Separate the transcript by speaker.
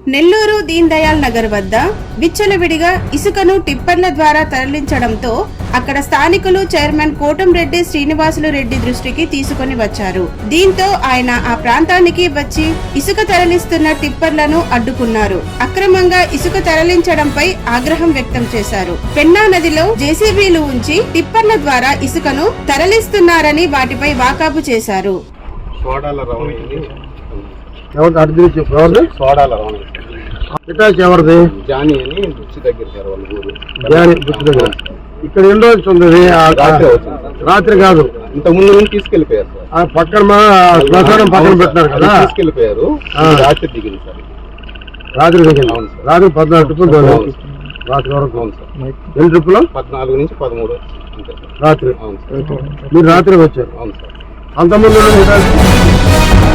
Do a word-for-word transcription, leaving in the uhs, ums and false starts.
Speaker 1: నెల్లూరు దీన్ దయాల్ నగర్ వద్ద విచ్చలవిడిగా ఇసుకను టిప్పర్ల ద్వారా తరలించడంతో అక్కడ స్థానికులు చైర్మన్ కోటంరెడ్డి శ్రీనివాసులు రెడ్డి దృష్టికి తీసుకుని వచ్చారు. దీంతో ఆయన ఆ ప్రాంతానికి వచ్చి ఇసుక తరలిస్తున్న టిప్పర్లను అడ్డుకున్నారు. అక్రమంగా ఇసుక తరలించడంపై ఆగ్రహం వ్యక్తం చేశారు. పెన్నా నదిలో జేసీబీలు ఉంచి టిప్పర్ల ద్వారా ఇసుకను తరలిస్తున్నారని వాటిపై వాకాబు చేశారు.
Speaker 2: ఎవరిది
Speaker 3: జానీ అని బుచ్చి దగ్గర సార్ వాళ్ళ ఊరు.
Speaker 2: జానీ బుచ్చి దగ్గర. ఇక్కడ ఎన్ని రోజులు ఉంది? రాత్రి కాదు,
Speaker 3: ఇంత ముందు నుంచి తీసుకెళ్లిపోయారు సార్.
Speaker 2: ఆ పక్కన మా శ్మశానం పక్కన పెట్టినారు కదా,
Speaker 3: తీసుకెళ్లిపోయారు. రాత్రి దిగింది సార్.
Speaker 2: రాత్రి దిగింది. రాత్రి పద్నాలుగు ట్రిప్పులు రాత్రి వరకు.
Speaker 3: అవును సార్.
Speaker 2: ఎన్ని ట్రిప్పులు?
Speaker 3: పద్నాలుగు నుంచి పదమూడు అంతే సార్.
Speaker 2: రాత్రి.
Speaker 3: అవును సార్.
Speaker 2: మీరు రాత్రి వచ్చారు.
Speaker 3: అవును సార్.
Speaker 2: అంతకుముందు